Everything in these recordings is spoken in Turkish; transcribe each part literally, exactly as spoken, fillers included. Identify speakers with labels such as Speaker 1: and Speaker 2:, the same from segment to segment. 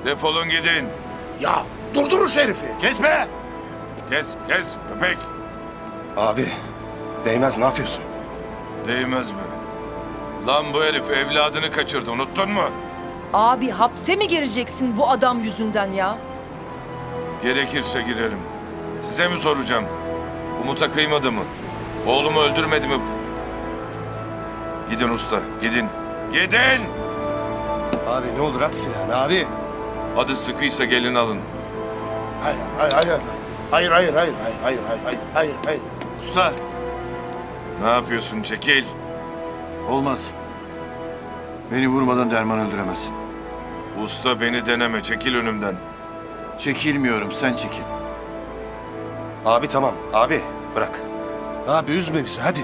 Speaker 1: Defolun gidin.
Speaker 2: Ya durdurun şu herifi.
Speaker 1: Kes be! Kes, kes köpek.
Speaker 3: Abi, Değmez ne yapıyorsun?
Speaker 1: Değmez mi? Lan bu herif evladını kaçırdı, unuttun mu?
Speaker 4: Abi hapse mi gireceksin bu adam yüzünden ya?
Speaker 1: Gerekirse girerim. Size mi soracağım? Umut'a kıymadı mı? Oğlumu öldürmedi mi? Gidin usta, gidin. Gidin!
Speaker 3: Abi ne olur at silahını abi.
Speaker 1: Adı sıkıysa gelin alın.
Speaker 2: Hayır, hayır, hayır. Hayır, hayır, hayır, hayır, hayır, hayır, hayır, hayır, hayır.
Speaker 5: Usta,
Speaker 1: Ne yapıyorsun? Çekil.
Speaker 5: olmaz. Beni vurmadan Derman öldüremezsin.
Speaker 1: Usta beni deneme, çekil önümden.
Speaker 5: Çekilmiyorum, sen çekil.
Speaker 3: Abi tamam, abi bırak.
Speaker 2: Abi üzme bizi, hadi.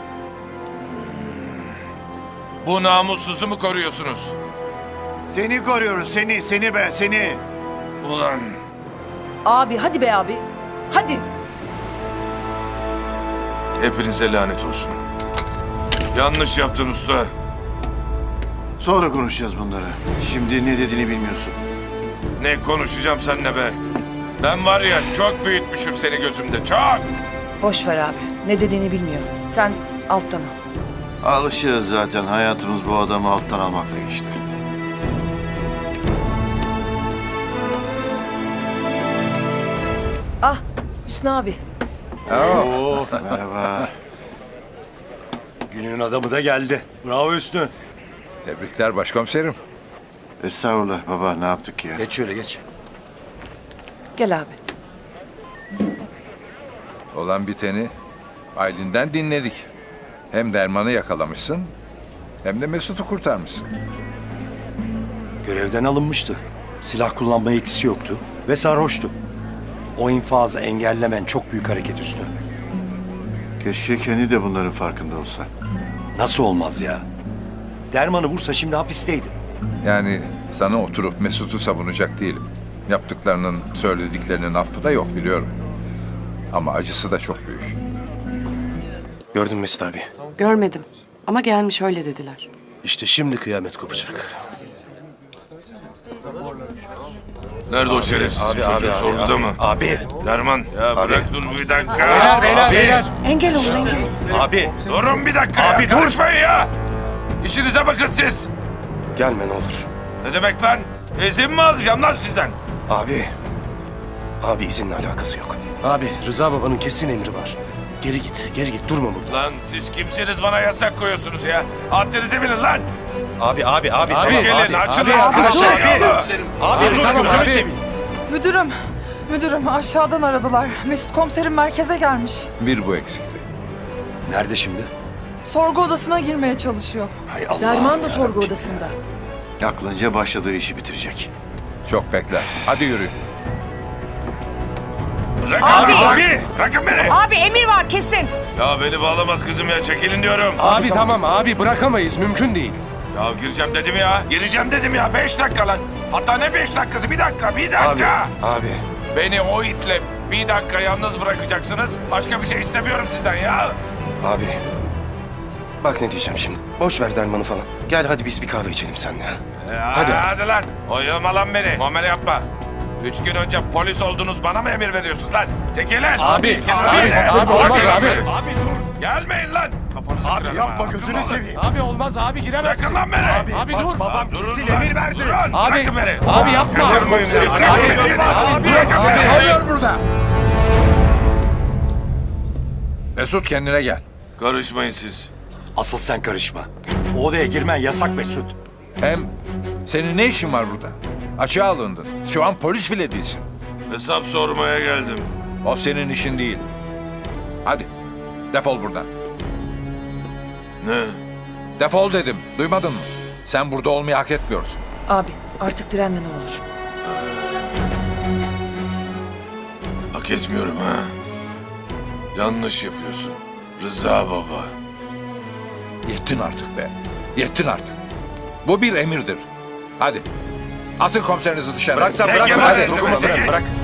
Speaker 1: Bu namussuzu mu koruyorsunuz?
Speaker 5: Seni koruyoruz, seni, seni be, seni.
Speaker 1: Ulan!
Speaker 4: Abi hadi be abi. Hadi.
Speaker 1: Hepinize lanet olsun. Yanlış yaptın usta.
Speaker 5: Sonra konuşacağız bunları. Şimdi ne dediğini bilmiyorsun.
Speaker 1: Ne konuşacağım seninle be? Ben var ya çok büyütmüşüm seni gözümde, çok!
Speaker 4: Boş ver abi. Ne dediğini bilmiyor. Sen alttan al.
Speaker 5: Alışığız zaten, hayatımız bu adamı alttan almakla geçti.
Speaker 4: Ah Hüsnü abi.
Speaker 3: Oo,
Speaker 5: Merhaba.
Speaker 3: günün adamı da geldi. Bravo Hüsnü.
Speaker 6: Tebrikler başkomiserim.
Speaker 5: Estağfurullah baba, ne yaptık ya?
Speaker 3: Geç şöyle geç.
Speaker 4: Gel abi.
Speaker 6: Olan biteni Aylin'den dinledik. Hem Derman'ı yakalamışsın hem de Mesut'u kurtarmışsın.
Speaker 7: Görevden alınmıştı. Silah kullanma yetkisi yoktu ve sarhoştu. O infazı engellemen çok büyük hareket Hüsnü.
Speaker 5: Keşke kendi de bunların farkında olsa.
Speaker 7: Nasıl olmaz ya? Dermanı vursa şimdi hapisteydi.
Speaker 6: Yani sana oturup Mesut'u savunacak değilim. Yaptıklarının, söylediklerinin affı da yok biliyorum. Ama acısı da çok büyük.
Speaker 3: Gördün mü Mesut abi?
Speaker 8: Görmedim ama gelmiş öyle dediler.
Speaker 7: İşte şimdi kıyamet kopacak.
Speaker 1: Nerede o şerefsiz
Speaker 3: Abi,
Speaker 1: çocuğu,
Speaker 3: abi, abi,
Speaker 1: sorguda
Speaker 3: abi,
Speaker 1: mı?
Speaker 3: abi,
Speaker 1: Derman, ya
Speaker 3: Abi.
Speaker 1: bırak dur bir dakika.
Speaker 3: Beyler, beyler, beyler.
Speaker 8: Engel olun engel olun.
Speaker 3: Abi,
Speaker 1: Durun bir dakika
Speaker 3: Abi,
Speaker 1: ya,
Speaker 3: dur.
Speaker 1: karışmayın ya. İşinize bakın siz.
Speaker 3: gelme ne olur.
Speaker 1: Ne demek lan? İzin mi alacağım lan sizden?
Speaker 3: Abi, abi izinle alakası yok.
Speaker 7: Abi Rıza babanın kesin emri var. Geri git, geri git. Durma burada.
Speaker 1: Lan siz kimsiniz bana yasak koyuyorsunuz ya? Haddinizi bilin lan.
Speaker 3: Abi, abi, abi, tamam
Speaker 1: Çekilin,
Speaker 3: abi.
Speaker 1: açılın.
Speaker 3: Abi, arkadaşlar,
Speaker 1: Abi.
Speaker 3: abi, abi, dur,
Speaker 7: tamam,
Speaker 3: gözünü
Speaker 7: abi.
Speaker 3: seveyim.
Speaker 9: Müdürüm, müdürüm aşağıdan aradılar. Mesut komiserim merkeze gelmiş.
Speaker 6: Bir bu eksikti.
Speaker 7: Nerede şimdi?
Speaker 9: Sorgu odasına girmeye çalışıyor.
Speaker 7: Hay Allah.
Speaker 4: Derman da sorgu odasında.
Speaker 5: Aklınca başladığı işi bitirecek.
Speaker 6: Çok bekler. Hadi yürü.
Speaker 1: Bırakın
Speaker 8: Abi.
Speaker 1: beni.
Speaker 3: Abi.
Speaker 1: Bırakın beni.
Speaker 8: Abi emir var kesin.
Speaker 1: Ya beni bağlamaz kızım ya, çekilin diyorum.
Speaker 7: Abi tamam abi bırakamayız, mümkün değil.
Speaker 1: Ya gireceğim dedim ya. Gireceğim dedim ya. Beş dakika lan. Hatta ne beş dakikası? Bir dakika, bir dakika.
Speaker 3: Abi,
Speaker 1: Beni o itle bir dakika yalnız bırakacaksınız. Başka bir şey istemiyorum sizden ya.
Speaker 3: abi. Bak ne diyeceğim şimdi. Boş ver Derman'ı falan. Gel hadi biz bir kahve içelim seninle. ha.
Speaker 1: Ya
Speaker 3: Hadi.
Speaker 1: Hadi lan. Oyalama lan beni. Muamele yapma. Üç gün önce polis oldunuz, bana mı emir veriyorsunuz lan? Çekilin.
Speaker 3: Abi,
Speaker 1: Çekilin
Speaker 3: abi,
Speaker 1: lan.
Speaker 3: abi, olmaz abi.
Speaker 1: Abi dur. Gelmeyin lan. Kafanızı
Speaker 3: Abi
Speaker 1: kırarım
Speaker 3: yapma
Speaker 1: ha.
Speaker 3: gözünü
Speaker 1: Durun lan.
Speaker 3: seveyim.
Speaker 7: Abi olmaz abi giremezsin.
Speaker 1: Bırakın lan beni.
Speaker 7: Abi
Speaker 3: Bak
Speaker 7: dur.
Speaker 3: babam
Speaker 1: Durun
Speaker 3: kesin
Speaker 1: lan.
Speaker 3: emir verdi.
Speaker 1: Durun.
Speaker 7: Abi,
Speaker 1: Bırakın beni.
Speaker 7: abi yapma.
Speaker 1: Kaçırmayın.
Speaker 3: Abi, abi,
Speaker 1: Bırakın beni.
Speaker 6: Hayır burada. Mesut kendine gel.
Speaker 1: Karışmayın siz.
Speaker 7: Asıl sen karışma. O odaya girmen yasak Mesut.
Speaker 6: Hem senin ne işin var burada? Açığa alındın. Şu an polis bile değilsin.
Speaker 1: Hesap sormaya geldim.
Speaker 6: O senin işin değil. Hadi defol buradan.
Speaker 1: Ne?
Speaker 6: Defol dedim. Duymadın mı? Sen burada olmayı hak etmiyorsun.
Speaker 4: Abi artık direnme ne olur.
Speaker 1: Hak etmiyorum ha. Yanlış yapıyorsun. Rıza baba.
Speaker 6: Yettin artık be. Yettin artık. Bu bir emirdir. Hadi. Atın komiserinizi dışarı.
Speaker 3: Bırak sen
Speaker 1: Çekil
Speaker 3: bırak.
Speaker 1: lan,
Speaker 3: Hadi
Speaker 1: çekil,
Speaker 3: dokunma
Speaker 1: çekil.
Speaker 3: bırak bırak.